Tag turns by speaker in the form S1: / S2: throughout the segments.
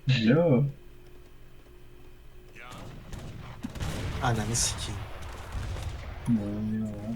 S1: Yo.
S2: Ananı sikeyim.
S1: Ne oluyor lan?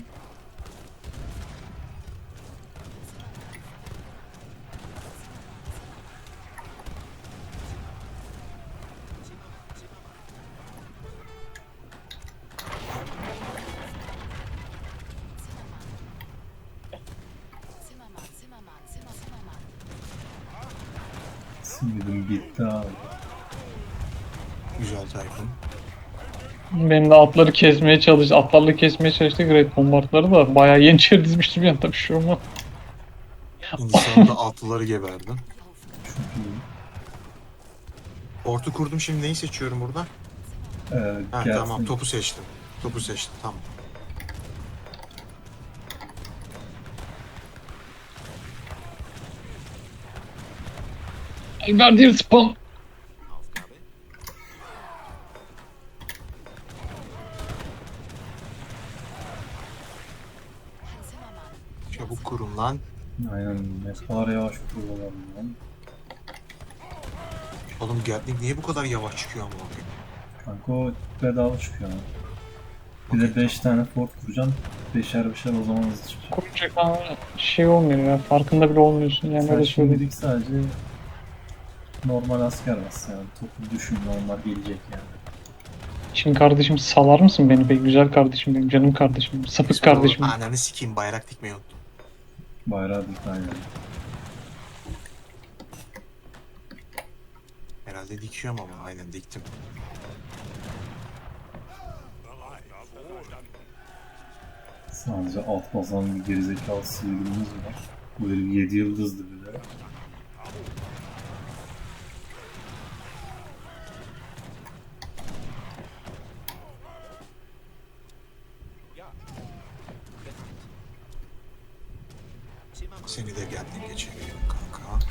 S1: Sinirim gitti abi.
S2: Güzel Tayfun.
S3: Benim de atlarla kesmeye çalıştık Great Bombardları da bayağı yeniçeri dizmiştim yani tabii şu ama.
S2: Hindistan'da atlıları geberdin.
S1: Çok iyi.
S2: Ortu kurdum, şimdi neyi seçiyorum burada? Ha tamam,
S1: Gelsin.
S2: topu seçtim. Topu seçtim, tamam.
S3: Verdiğim spam.
S2: Çabuk kurun lan.
S1: Aynen, ne kadar yavaş kuruyorlar lan.
S2: Oğlum Gatling niye bu kadar yavaş çıkıyor ama?
S1: Kanka o bedava çıkıyor ha. Bir de
S2: Okey,
S1: 5 tane fort kuracaksın. Beşer beşer o zaman hızlı çıkacak.
S3: Kuracak ama şey olmuyor ya. Farkında bile olmuyorsun yani
S1: Sen
S3: öyle söyleyeyim.
S1: şimdilik sadece normal asker bas yani. Topu düşün, normal gelecek yani.
S3: Şimdi kardeşim salar mısın beni be güzel kardeşim benim canım kardeşim sapık
S2: Sonra
S3: kardeşim.
S2: ananı sikeyim, bayrak dikmeyi unuttum.
S1: Bayrağı dik aynen.
S2: Herhalde dikiyorum ama aynen diktim.
S1: Sadece alt basan bir gerizekalı sivilimiz var. Bu herif 7 yıldızdı bir de.
S2: Seni de Gatling'e çeviriyorum kanka.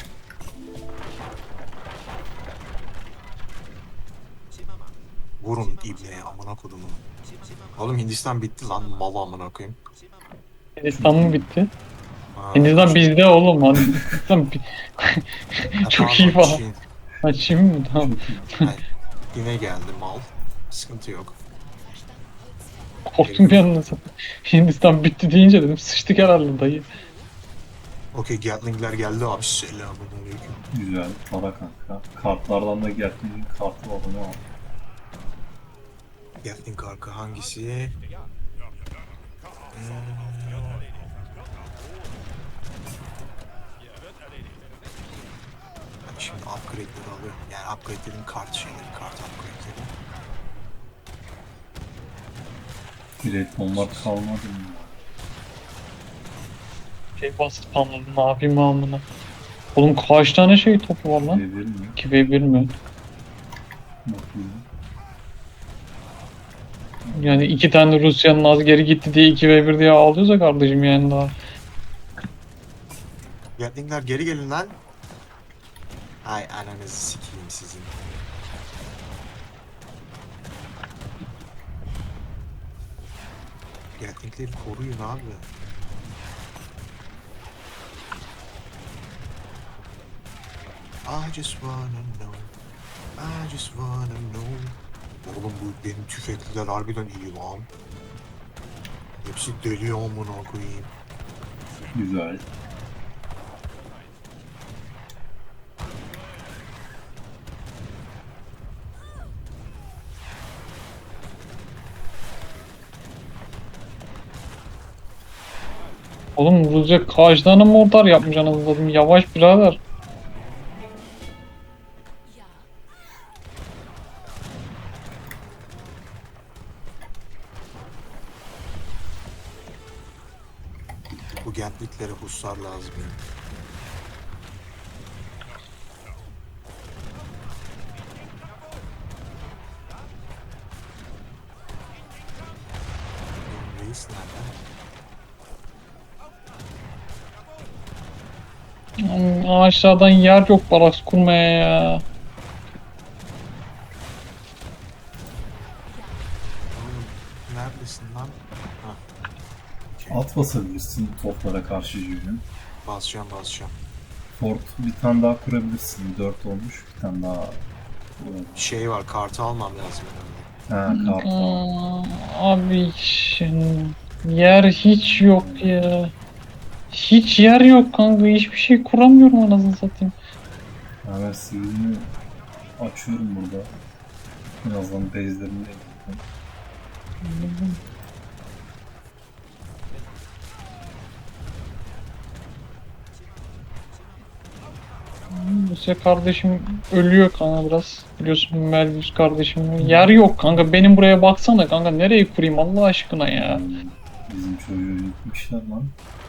S2: Vurun ibneye, amına kodumu. Oğlum Hindistan bitti lan, mal amına koyayım.
S3: Hindistan mı bitti?
S2: Ha,
S3: Hindistan bizde oğlum hani Hindistan çok iyi
S2: pardon,
S3: falan.
S2: Çin.
S3: Açayım mı? Tamam.
S1: Çok iyi.
S2: Hayır, yine geldi mal. Sıkıntı yok.
S3: Korktum bir anda. Hindistan bitti deyince dedim sıçtık herhalde dayı.
S2: Okey, Gatling'ler geldi abi. Selamünaleyküm.
S1: Güzel. Para kanka. Kartlardan da Gatling kartı var, onu al.
S2: Gatling kanka hangisi? Ben şimdi upgrade'leri alıyorum. Yani upgrade dediğim kart şeyleri, kart upgrade'leri.
S1: Great Bombard kalmadı mı?
S3: Şey bastı spamladım ne yapayım amına. Oğlum kaç tane şey topu var lan?
S1: Verir mi?
S3: 2v1 mi?
S1: Bakayım.
S3: Yani iki tane Rusya'nın az geri gitti diye 2v1 diye ağlıyorsa kardeşim yani daha.
S2: Gatling'ler geri gelin lan. Ay ananızı sikeyim sizin. Gatling'leri koruyun abi. I just wanna know. I just wanna know. Oğlum bu benim tüfekliler harbiden iyi lan. Hepsi deli amına koyayım.
S1: Güzel.
S3: Oğlum Rusya kaç tane mortar yapmış anasını satayım yavaş birader.
S2: Bu Gatlinglere hussar lazım ya. Benim reis nerede?
S3: Aşağıdan yer yok baraks kurmaya ya.
S2: Oğlum neredesin lan? Ha,
S1: At basabilirsin toplara karşı yönü.
S2: basacağım basacağım.
S1: Fort bir tane daha kurabilirsin. 4 olmuş. Bir tane daha
S2: Şey var, kartı almam lazım herhalde.
S1: Ha, kart var.
S3: Abi yer hiç yok ya. Hiç yer yok kanka. Hiçbir şey kuramıyorum anasını satayım.
S1: Hemen CV'mi açıyorum burada. Birazdan base'lerini de yapayım.
S3: Lise kardeşim ölüyor kanka biraz. Biliyorsun Melvis kardeşim. Yer yok kanka. Benim buraya baksana kanka. Nereye kurayım Allah aşkına ya.
S1: Bizim çocuğu yıkmışlar lan.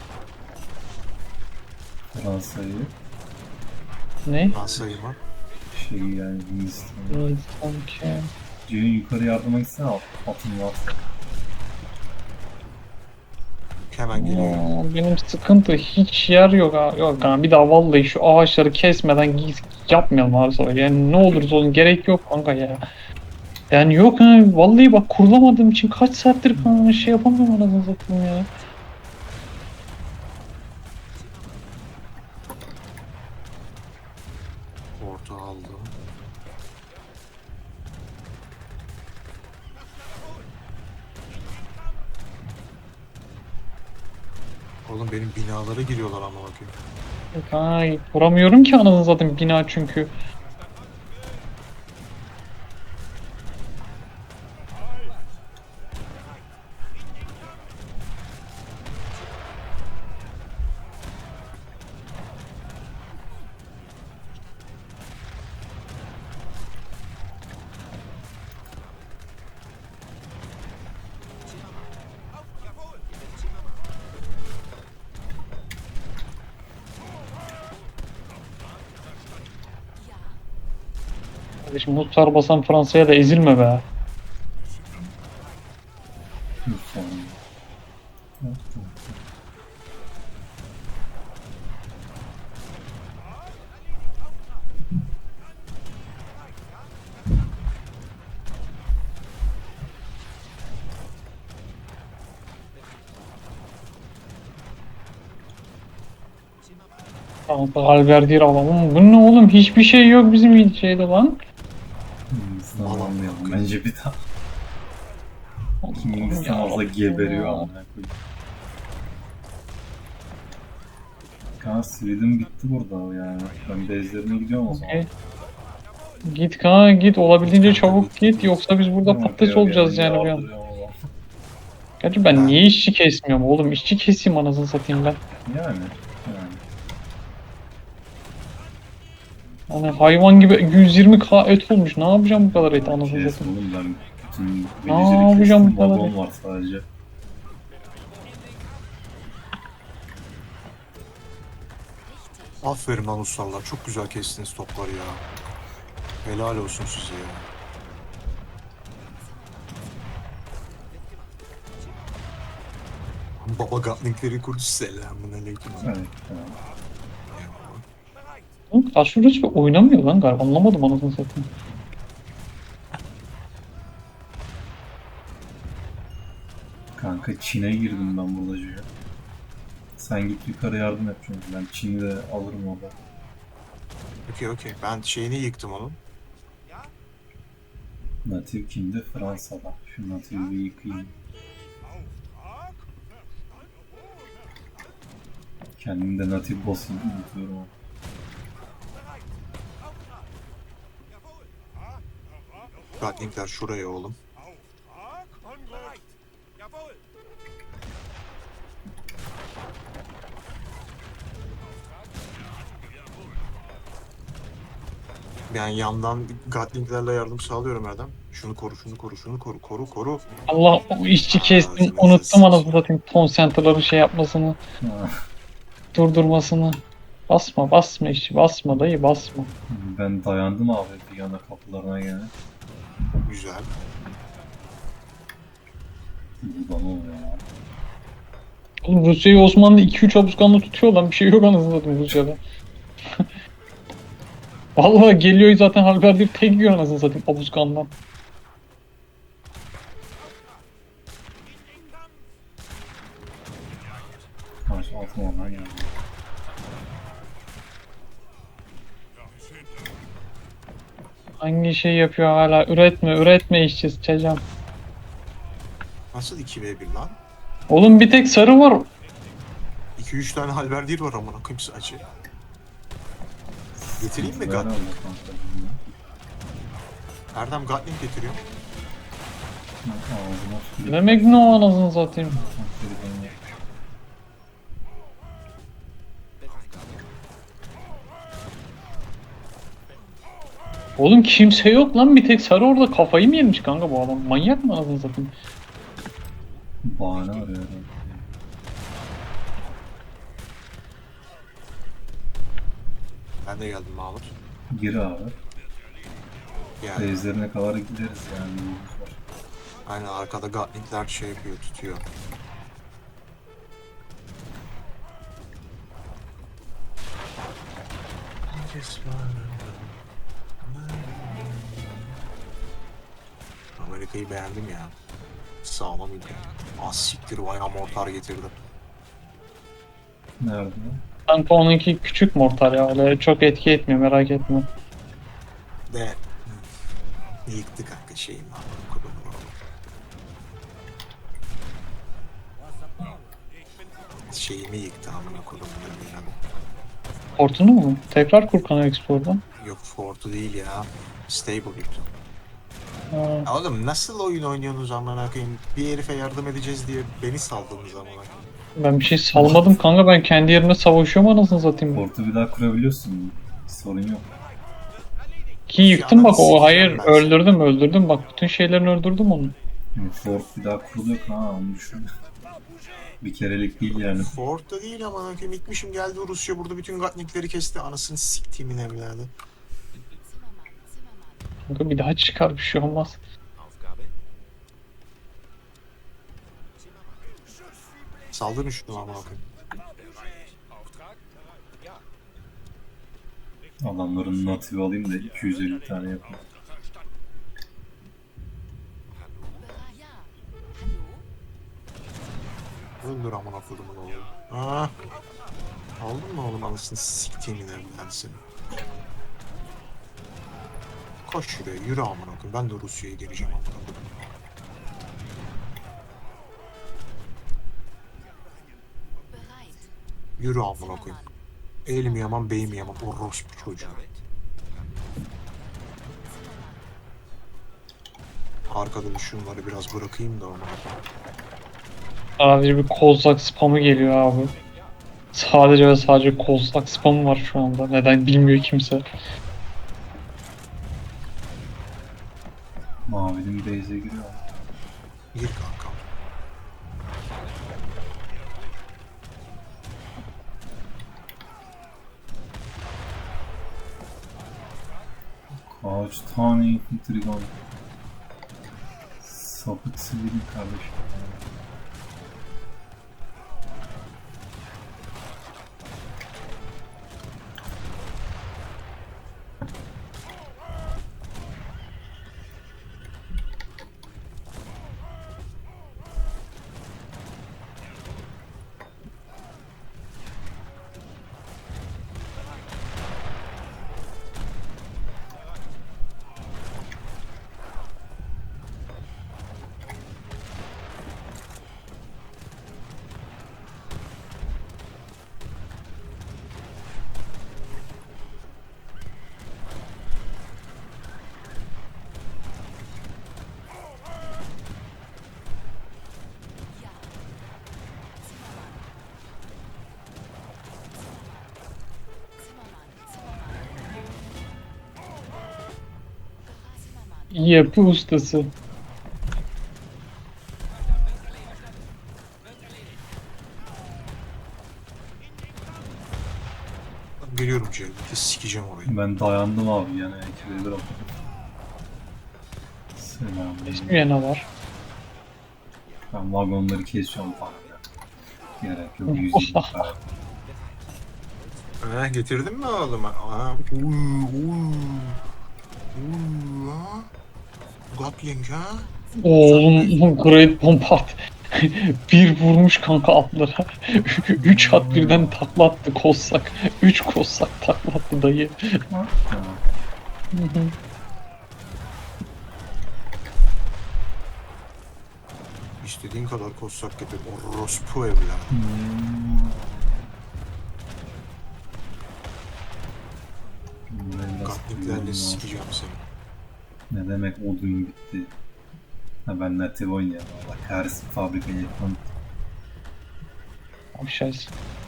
S1: Fransa'yı.
S3: Ne?
S2: Nasıl mı?
S1: Şey yani Hindistan'ı.
S3: Evet, sanki.
S1: Ceyhun yukarı yardıma gitsene atın var.
S2: Hemen geliyorum.
S3: Benim sıkıntı hiç yer yok ha. Yok kanka bir daha vallahi şu ağaçları kesmeden yapmayalım abi sonra. Yani ne olursa olsun gerek yok kanka ya. Yani yok ha vallahi bak kurulamadığım için kaç saattir kanka şey yapamıyorum anasını satayım ya.
S2: Orta aldım. Oğlum benim binalara giriyorlar ama bakayım.
S3: Ay kuramıyorum ki anasını satayım bina çünkü. Kardeşim Muhtar basan Fransa'ya da ezilme be.
S1: Bir saniye. Evet, tamam.
S3: Kanka Alverdi'yi alalım. Bu ne oğlum hiçbir şey yok bizim şeyde lan.
S1: Hindistan
S2: Aman
S1: almayalım
S2: bakayım.
S1: bence bir daha. Hindistan
S3: Ya
S1: azla
S3: Rabbim
S1: geberiyor
S3: ya.
S1: amına koyayım. Kaan Sweden bitti burada yani. Ben base'lerine gidiyorum o zaman.
S3: Okey. Git kanka git olabildiğince
S2: Git kanka,
S3: çabuk git
S2: git.
S3: yoksa biz burada
S1: Yok
S3: patates
S1: ya,
S3: olacağız
S1: yani
S3: yani bir an.
S1: yardırıyorum o zaman.
S3: Gerçi ben
S2: Ben-
S3: niye işçi kesmiyorum oğlum işçi keseyim anasını satayım ben.
S1: Yani.
S3: Hani hayvan gibi 120k et olmuş ne yapacağım bu kadar et anasını
S1: Kes
S3: satayım.
S1: oğlum ben bütün
S3: Ne
S1: villager'ı
S3: yapacağım
S1: kestim.
S3: bu kadar?
S1: Vagon var sadece.
S2: Aferin lan ustalar. Çok güzel kestiniz topları ya. Helal olsun size ya. Baba Gatling'leri kurdu. Selamun aleyküm.
S1: Evet. Tamam.
S3: Oğlum Aşurus oynamıyor lan galiba anlamadım anasını satayım.
S1: Kanka Çin'e girdim ben burada Cüce. Sen git yukarı yardım et çünkü ben Çin'i de alırım orada.
S2: Okey. Ben şeyini yıktım onun.
S1: Natif kimde? Fransa'da. Şu Natif'i bir yıkayayım. Kendim de Natif boss'unu unutuyorum ama.
S2: Gatling'ler şuraya oğlum. Ben yandan Gatling'lerle yardım sağlıyorum Erdem. Şunu koru. Koru.
S3: Allah o işçi kestim
S2: Ağzınıza
S3: unuttum
S2: sıçayım.
S3: anasını satayım ton center'ların şey yapmasını
S1: Ha,
S3: durdurmasını. Basma işçi basma dayı basma.
S1: ben dayandım abi bir yana kapılarına gene.
S2: Güzel.
S1: Bu da ne oluyor ya?
S3: Oğlum Rusya'yı Osmanlı 2-3 hapuskanlı tutuyor lan bir şey yok anasını satayım Rusya'da. Vallahi geliyor zaten Halberdir tek yiyor anasını satayım hapuskandan.
S1: Karşı altın oradan geldi.
S3: Hangi şey yapıyor hala? Üretme işçi sıçacağım.
S2: Nasıl 2v1 lan?
S3: Oğlum bir tek sarı var.
S2: 2-3 tane halberdier var amına koyayım sadece. Getireyim mi
S1: Ver
S2: Gatling?
S1: abla kanka, bilmiyorum.
S2: Erdem Gatling getiriyor.
S1: Ağzıma su
S3: Ne demek ne o anasını satayım.
S1: yapıyor.
S3: Oğlum kimse yok lan, bir tek sarı orada, kafayı mı yemiş kanka bu adam? Manyak mı anasını satayım?
S1: Bahane arıyor herhalde.
S2: Ben de geldim Mahmut.
S1: Gir abi.
S2: Yani
S1: Base'lerine kadar gideriz yani. Yolumuz var.
S2: aynen arkada Gatling'ler şey yapıyor, tutuyor. Amerika'yı beğendim ya. Sağlam ülke. Az siktir bayağı mortar getirdi.
S1: Nerede?
S3: Kanka onunki küçük mortar ya, öyle çok etki etmiyor, merak etme.
S2: De yıktı kanka şeyin lan. Kodunu. Şeyimi yıktı amına kodumun yani.
S3: Portunu mu? Tekrar kur kanal Explor'dan.
S2: Yok Fort'u değil ya. Stable yıktı.
S3: Ha,
S2: Ya oğlum nasıl oyun oynuyorsunuz amına koyayım? Bir herife yardım edeceğiz diye beni saldınız amına koyayım.
S3: ben bir şey salmadım kanka, ben kendi yerimde savaşıyorum anasını satayım.
S1: Portu bir daha kurabiliyorsun. Sorun yok.
S3: Ki yıktım bak, o
S2: sikeceğim
S3: hayır,
S2: ben seni.
S3: öldürdüm bak, bütün şeylerini öldürdüm onu.
S1: Yani Fort bir daha kuruluyor. Ha onu düşün. Bir kerelik değil yani.
S2: Fort'ta değil amına koyayım. İtmişim geldi Rusya burada bütün Gatling'leri kesti. Anasını siktiğimin evladı.
S3: Kanka bir daha çıkar, bir şey olmaz.
S2: Saldırın şunu amına koyayım.
S1: Adamların native alayım da 250 tane yapayım.
S2: Öldür amına kodumun oğlu. Ha? Aldın mı oğlum anasını siktiğimin evladı seni? Koş şuraya yürü amına koyayım. Ben de Rusya'ya geleceğim amına koyayım. Yürü amına koyayım. El mi yaman bey mi yaman orospu çocuğu. Arkada şunları biraz bırakayım da ona.
S3: Sadece bir kozlak spamı geliyor abi. Sadece ve sadece kozlak spamı var şu anda. Neden bilmiyor kimse.
S1: Mavinin base'e giriyor.
S2: Gir kanka.
S1: Kaç tane infantry var. Sapık sivilim kardeşim.
S3: Yapı ustası.
S2: Geliyorum Cevdet'e sikeceğim orayı.
S1: Ben dayandım abi yani ekibe bir Selam.
S3: İsmi ne var?
S1: Ben vagonları kesiyorum falan ya. Gerek yok 120 tane.
S2: Getirdin mi oğlum? Ha. Ha. Gatling ha?
S3: Oğlum Great Bombard. Bir vurmuş kanka atlara. 3 at birden taklattı kozlak. 3 kozlak taklattı dayı.
S1: Ha.
S3: Hı hı.
S2: İstediğin kadar kozsak getir. Orospu evler. Gatliklerle sikeceğim seni.
S1: Ne demek odun bitti? Ha ben native oynuyorum. Allah kahretsin fabrikayı yapmam.
S3: Aşağısı.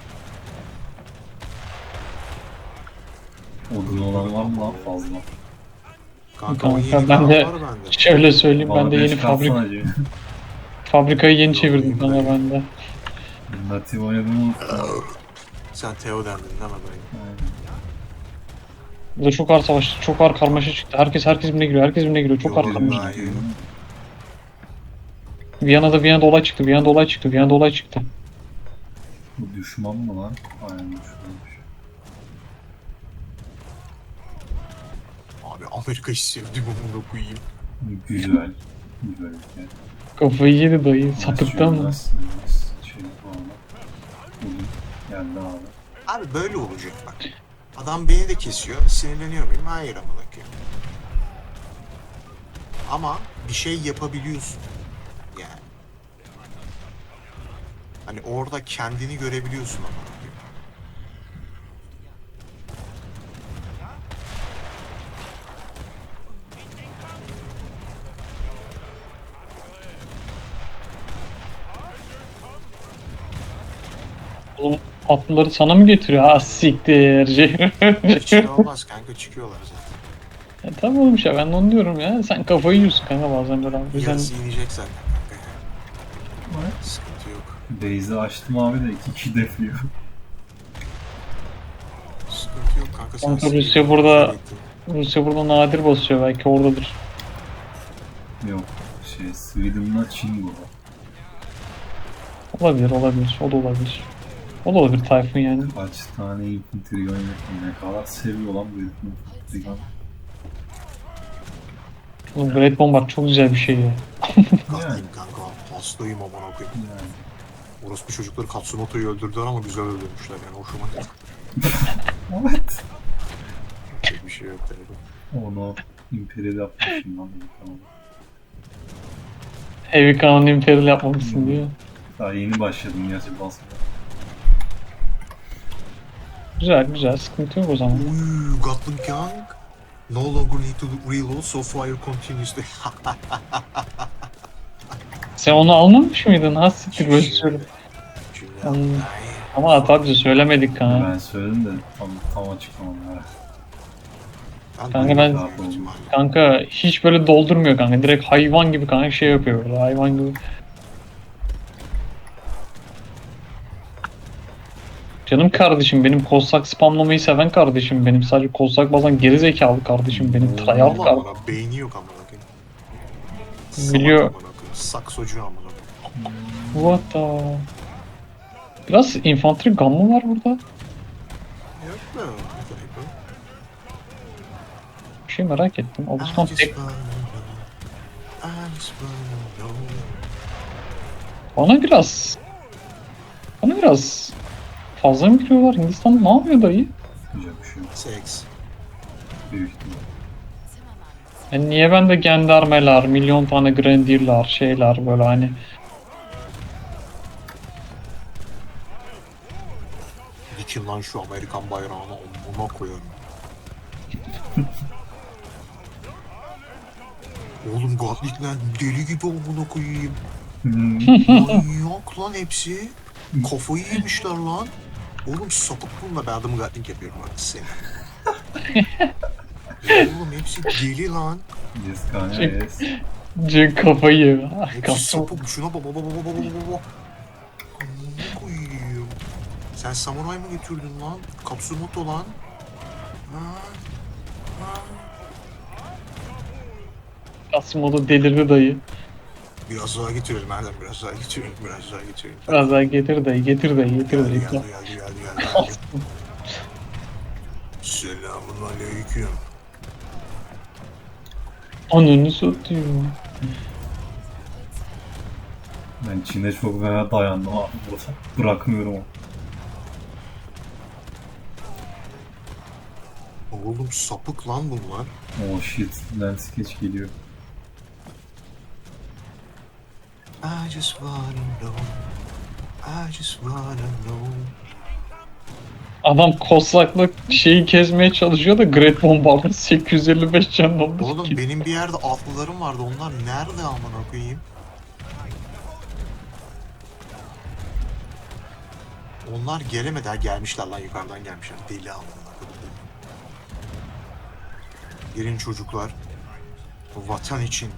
S1: Odun olan var mı lan fazla?
S2: Kanka o
S3: Kanka,
S2: yeni
S3: ben de-
S2: var bende.
S3: Şöyle söyleyeyim, ben
S1: Bana
S3: de
S1: beş
S3: yeni
S1: kalsana acı.
S3: fabrikayı yeni çevirdim
S2: Yollayayım
S3: kanka
S2: ben.
S3: ben de.
S1: Native oynadım unuttum.
S2: Sen Teo dendin değil mi dayı?
S1: Aynen.
S3: Burada çok ağır savaş, çok ağır karmaşa çıktı. Herkes birbirine giriyor, herkes birbirine giriyor. Çok ağır
S2: Yok,
S3: karmaşa.
S2: daha iyi.
S3: Viyana'da olay çıktı, Viyana'da olay çıktı.
S1: Bu düşman mı lan? Aynen düşmanmış.
S2: Abi Amerika'yı sevdim amına koyayım.
S1: Güzel. Güzel ülke.
S3: Kafayı yedi dayı, sapıttı mı?
S1: Şey falan. Odun geldi abi.
S2: Abi böyle olacak bak. Adam beni de kesiyor. Sinirleniyor muyum? Hayır amına koyayım. Ama bir şey yapabiliyorsun. Yani. Hani orada kendini görebiliyorsun amına koyayım.
S3: Oğlum atlıları sana mı getiriyor? Ha siktir.
S2: Hiç şey olmaz kanka, çıkıyorlar zaten.
S3: Tamam oğlum ya, ben de onu diyorum ya. Sen kafayı yiyorsun kanka bazen böyle. O yüzden
S2: Yarısı inecek zaten kanka ya. Sıkıntı yok.
S1: Base'i açtım abi de 2 kişi defliyor.
S2: Sıkıntı yok kanka. Sen
S3: Kanka,
S2: sinirlenme,
S3: Rusya burada-
S2: şey
S3: Rusya burada nadir basıyor, belki oradadır.
S1: Yok şey Sweden'la Çin bu.
S3: Olabilir. O da olabilir. O da olabilir Tayfun yani.
S1: Kaç tane infantry oynatıyor, ne kadar seviyor lan bu herifin infantry gun.
S3: Oğlum Great Bombard çok güzel bir şey ya.
S2: Katlıyım kanka. Hastayım amına koyayım.
S1: Yani.
S2: Orospu çocukları Katsumoto'yu öldürdüler ama güzel öldürmüşler yani, hoşuma gitti.
S1: Evet.
S2: Çok bir şey yok tabii.
S1: Onu imperial yapmışım lan. Tamam.
S3: Heavy Crown Imperial yapmamışsın diyor.
S1: Daha yeni başladım gerçi basmaya.
S3: Güzel, sıkıntı yok o zaman.
S2: Uy, Gatling Young. No longer need to reload, so fire continuously.
S3: Sen onu almamış mıydın? Ha siktir böyle söyle. Anladım. Ama tabii söylemedik kanka.
S1: Ben söyledim de tam açıklamadım. Evet.
S3: Kanka ben- Kanka hiç böyle doldurmuyor kanka. Direkt hayvan gibi kanka şey yapıyor böyle, hayvan gibi. Canım kardeşim benim, kozsak spamlamayı seven kardeşim benim. Sadece kozsak bazen geri zekalı kardeşim benim. Tryhard kardeşim.
S2: Beyni yok amına koyayım.
S3: Biliyor.
S2: Salak amına koyayım. Saksocu amına koyayım.
S3: What the... Biraz infantry gun mı var burada?
S2: Yok mu?
S3: Bir şey merak ettim. Obuskan tek bana biraz fazla mı giriyorlar? Hindistan ne yapıyor dayı?
S1: Güzel bir şey yok.
S2: Seks.
S1: Büyük ihtimal.
S3: Yani niye bende gendarmeler, milyon tane grenadierler, şeyler böyle hani.
S2: Dikin lan şu Amerikan bayrağını omuna koyarım. Oğlum Gatlikler deli gibi omuna koyayım. Manyak lan hepsi. Kafayı yemişler lan. Oğlum sapık bununla, ben adamı Gatling yapıyorum artık seni. Oğlum hepsi deli lan.
S1: Yes kanka yes.
S3: Cık kafayı yiyor.
S2: Hepsi
S3: Kafam.
S2: sapık. Şuna baba baba baba baba baba. Amına koyayım. Sen samuray mı getirdin lan? Katsumoto lan. Ha? Ha?
S3: Kasimodo delirdi dayı.
S2: Biraz daha getirelim Erdem, biraz daha getirelim, biraz daha getirelim.
S3: Biraz daha getir dayı, getir dayı.
S2: Geldi. Selamun aleyküm.
S3: Ananı satıyor.
S1: Ben Çin'e çok fena dayandım abi burada. Bırakmıyorum onu.
S2: Oğlum sapık lan bunlar.
S1: Oh shit, Lens Sketch geliyor.
S2: I just wanna know. I just wanna know.
S3: Adam kozlakla şeyi kesmeye çalışıyor da Great Bombardier 855 can olmuş
S2: Oğlum
S3: ki.
S2: benim bir yerde atlılarım vardı. Onlar nerede amına koyayım? Onlar gelemedi. Ha gelmişler lan, yukarıdan gelmişler. Deli amına koyayım. Gelin çocuklar. Bu vatan için.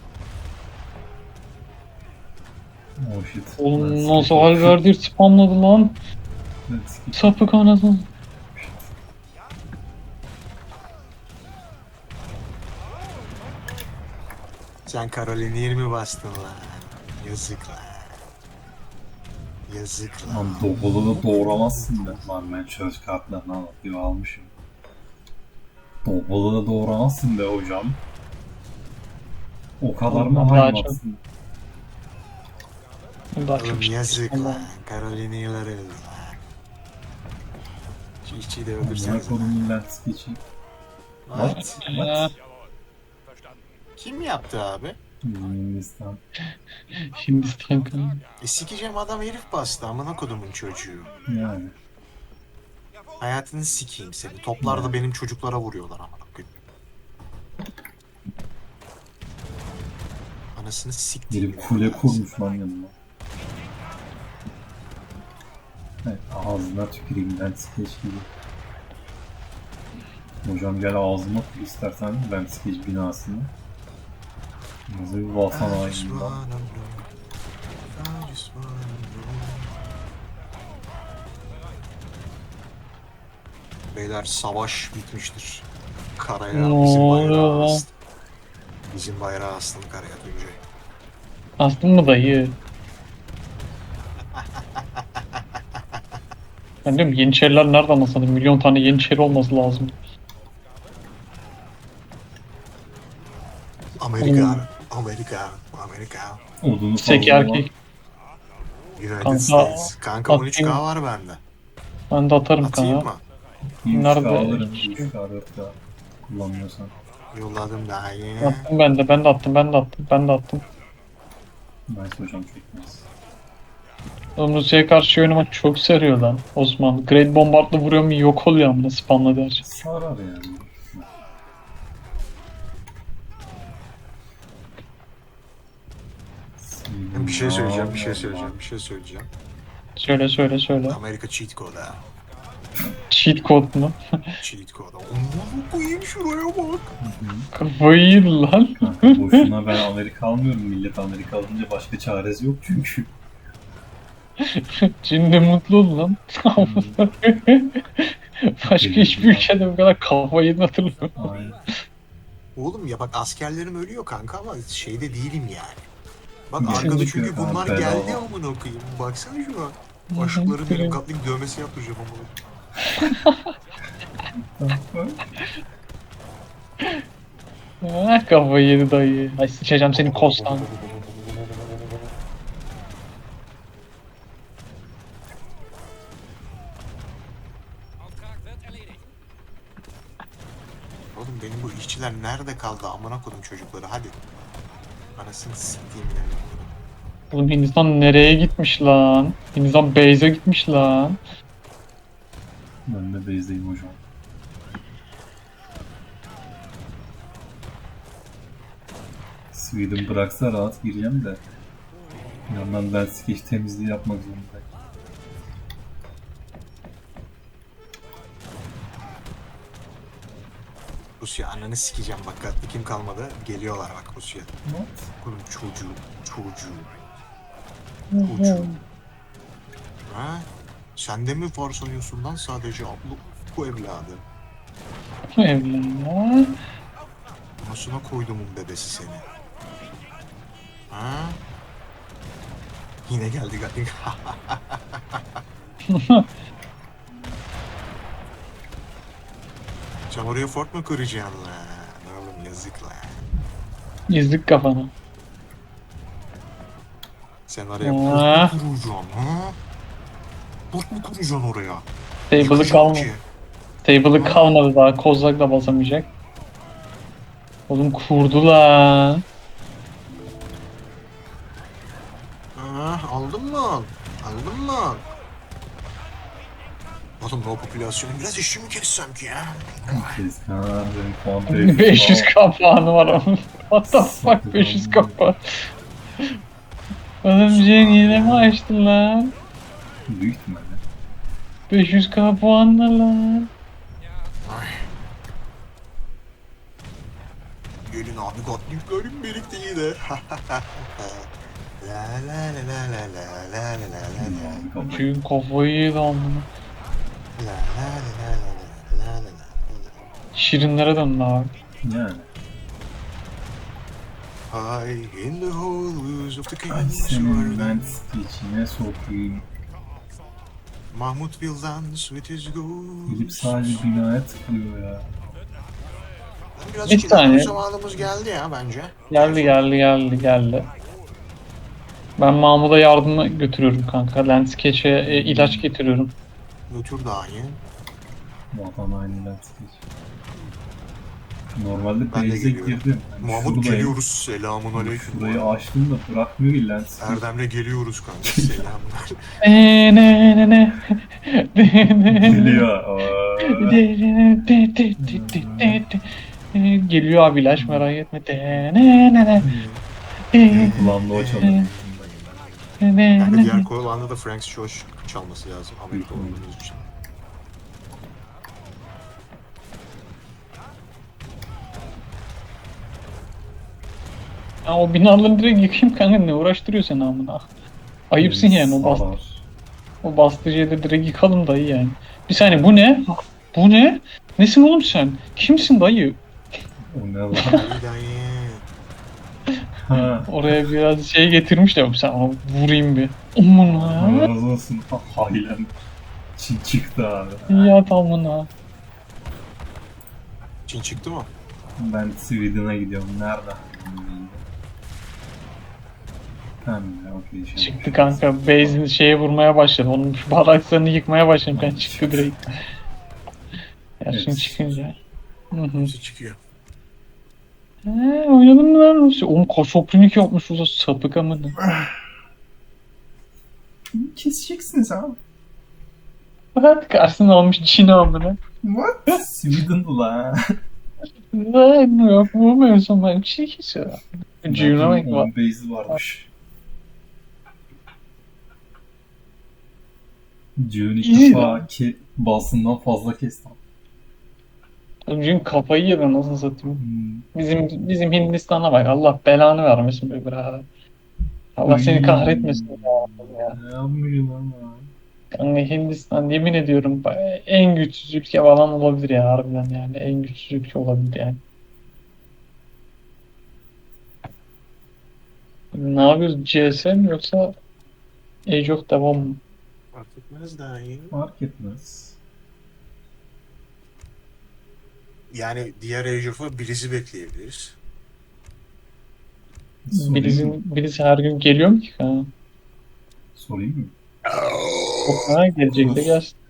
S1: Oh shit.
S3: Oğlum nasıl Halberdir spamladı lan. Sapık anasını.
S2: Sen Carolina'yı mi bastın lan? Yazık lan. Yazık lan.
S1: Lan Doblo'da da doğramazsın da. Lan ben söz kartlarını alıp bir almışım. Doblo'da da doğramazsın be hocam. O kadar mı
S3: Oğlum, daha
S1: haymazsın?
S3: Daha
S2: Oğlum
S3: çok
S2: yazık
S3: spamladı.
S2: lan. Carolina'yı öldü lan. Şu işçiyi de
S1: Amına
S2: öldürseniz.
S1: kodumun lens geçeyim. What? What?
S2: Kim yaptı abi?
S1: Hindistan.
S3: Hindistan kanalı.
S2: Sikeceğim adam herif bastı amına kodumun çocuğu.
S1: Yani.
S2: Hayatını sikeyim seni. Toplarda benim çocuklara vuruyorlar amına koyayım. Anasını siktiğim.
S1: Biri kule kurmuş lan yanıma. Evet, ağzına tüküreyim ben skeç gibi. Hocam gel ağzıma kur istersen ben skeç binasını. Nasıl bir vatan haininden.
S2: Beyler savaş bitmiştir. Karaya
S3: Ne
S2: bizim
S3: oluyor
S2: bayrağı
S3: lan?
S2: astı. Bizim bayrağı astım karaya Tuncay.
S3: Astın mı dayı? Ben diyorum Yeniçeriler nereden aslında? Milyon tane Yeniçeri olması lazım.
S2: Amerika, Amerika, Amerika.
S1: Odunu
S3: Seki
S1: fazla olan
S3: erkek.
S2: United
S3: Kanka,
S2: States. Kanka
S3: atayım.
S2: 13K var bende.
S3: Ben de atarım
S2: Atayım
S3: kana.
S2: mı?
S1: bir 3K
S3: Nerede?
S1: alırım. 3K 4K kullanmıyorsan.
S2: Yolladım daha iyi.
S3: Attım ben de, ben de attım, ben de attım, ben de attım.
S1: Nice hocam çekmez.
S3: Oğlum Rusya'ya karşı oynamak çok sarıyor lan Osman. Great Bombard'la vuruyor mu yok oluyor amına spamla der.
S1: Sarar yani.
S2: Bir şey söyleyeceğim, bir şey söyleyeceğim, bir şey söyleyeceğim.
S3: Söyle söyle söyle.
S2: Amerika cheat code ha.
S3: Cheat code mu?
S2: Cheat code. Onu koyayım şuraya bak.
S3: Kafayı yedi lan.
S1: Kanka boşuna ben Amerika almıyorum. Millet Amerika alınca başka çaresi yok çünkü.
S3: Şimdi mutlu ol lan. Başka hiçbir ülkede bu kadar kafayı yedin hatırlamıyorum.
S1: Aynen.
S2: Oğlum ya bak askerlerim ölüyor kanka ama şeyde değilim yani. Bak
S1: Bir şey
S2: arkada
S1: çıkıyor
S2: çünkü
S1: kanka,
S2: bunlar
S1: bedava.
S2: geldi amına koyayım. Baksana şuna. Aşıkların benim katlik dövmesi yaptıracağım amına.
S3: Ah, kafayı yedi dayı. Ay sıçacağım senin kostan.
S2: Oğlum benim bu işçiler nerede kaldı amına koydum çocukları hadi. Anasını siktiğim yani.
S3: Oğlum Hindistan nereye gitmiş lan? Hindistan base'e gitmiş lan.
S1: Ben de base'deyim hocam. Sweden bıraksa rahat gireceğim de. Bir yandan ben skeç temizliği yapmak zorundayım.
S2: Rusya ananı sikeceğim bak katli kim kalmadı. Geliyorlar bak Rusya.
S1: What?
S2: Oğlum çocuğu. Ha? Sen de mi var sanıyorsun lan sadece abla bu evladı.
S3: Evlen.
S2: Anasına koydumun bebesi seni. Ha? Yine geldi galiba. Sen oraya fort mu kuracaksın lan? Oğlum yazık lan.
S3: İzlik kafana.
S2: Sen oraya
S3: Aa.
S2: fort mu kuracaksın ha? Fort mu kuracaksın oraya?
S3: Table'ı
S2: Yıkacağım
S3: kalmadı.
S2: ki.
S3: Table'ı kalmadı daha. Kozlak da basamayacak. Oğlum kurdu lan.
S2: Aldın mı? Aldın mı? Oğlum o popülasyonu biraz işi mi kessem ki ya?
S1: Kes Kaan benim puan
S3: 500 kapağını var onun. What the fuck 500 kapağı. Oğlum Jen yine mi açtın lan?
S1: Büyük ihtimalle.
S3: 500k puanla lan.
S2: Ay. Gelin abi Gatlinklerim birlikte yine. La la la la la la la la la la la.
S1: Abi kafayı.
S3: Çünkü kafayı yedi amına.
S2: La la la la la la la la.
S3: Şirinlere döndü abi.
S1: Yani.
S2: High in the halls of the
S1: Ay
S2: king's
S1: senin
S2: garden.
S1: Lens içine sokayım.
S2: Mahmut will dance with his
S1: Gidip
S2: ghost.
S1: sadece binaya tıklıyor ya.
S2: Biraz
S3: Bir saniye.
S2: zamanımız geldi ya bence.
S3: Geldi. Ben Mahmut'a yardıma götürüyorum kanka. Landscape'e ilaç getiriyorum.
S2: Götür dahi.
S1: Vatan aynı Lens geç. Normalde
S2: Ben de
S1: base'e
S2: geliyorum.
S1: girdim. Yani
S2: Mahmut
S1: şuradayım.
S2: geliyoruz. Selamun aleyküm.
S1: Şurayı açtım da bırakmıyor ki Lens.
S2: Erdem'le geliyoruz kanka. Selamun aleyküm.
S3: Ne.
S1: Geliyor.
S3: Geliyor abi ilaç merak etme.
S1: Kulağımda o çalıyor.
S2: Yani diğer kolanda da Frank Josh çalması lazım. Amerika olduğumuz için.
S3: Ya o binaları direkt yıkayım kanka ne uğraştırıyor seni amına. Ayıpsın yani
S1: Sarar.
S3: o bastıcıyı da direkt yıkalım dayı yani. Bir saniye bu ne? Bu ne? Nesin oğlum sen? Kimsin dayı?
S1: O ne lan?
S2: İyi dayı.
S1: Ha.
S3: Oraya biraz şey getirmişler. Sen ona vurayım bir. Amına.
S1: Allah razı olsun. Hailen. Çin çıktı abi.
S3: Yat amına.
S2: Çin çıktı mı?
S1: Ben Sweden'a gidiyorum. Nerede? Tamam ya okey. Şey.
S3: Çıktı kanka. Base'in şeye vurmaya başladı. Onun şu baraklarını yıkmaya başladım. Ben çıktı direkt. Ya şimdi
S1: Evet.
S3: çıkınca. Hı.
S2: Hepsi çıkıyor.
S3: Oynadın mı lan? Oğlum kaşoprinik yapmış orada sapık amına.
S1: Keseceksiniz abi.
S3: Bak karşısına almış Çin amına.
S1: What? Sweden'dı la.
S3: Lan yok vurmuyorsun ben bir şey kesiyor. Cüğüne bak
S1: Onun base'i varmış. June ilk
S3: İyi
S1: defa basından fazla kestim.
S3: Cüğün kafayı yedi nasıl satayım.
S1: Hmm.
S3: Bizim Hindistan'a bak Allah belanı vermesin be birader. Allah seni kahretmesin ya.
S1: Ne yapmış lan?
S3: Yani Hindistan yemin ediyorum en güçsüz ülke falan olabilir ya harbiden yani en güçsüz ülke olabilir yani. Ne yapıyoruz CS mi yoksa Age of devam mı?
S2: Fark etmez dahi.
S1: Fark etmez.
S2: Yani diğer Age of'a birisi bekleyebiliriz.
S1: Sorayım mı?
S3: Birisi her gün geliyor mu ki? Ha?
S1: Sorayım mı?
S3: Yok ha gelecek de gelsin.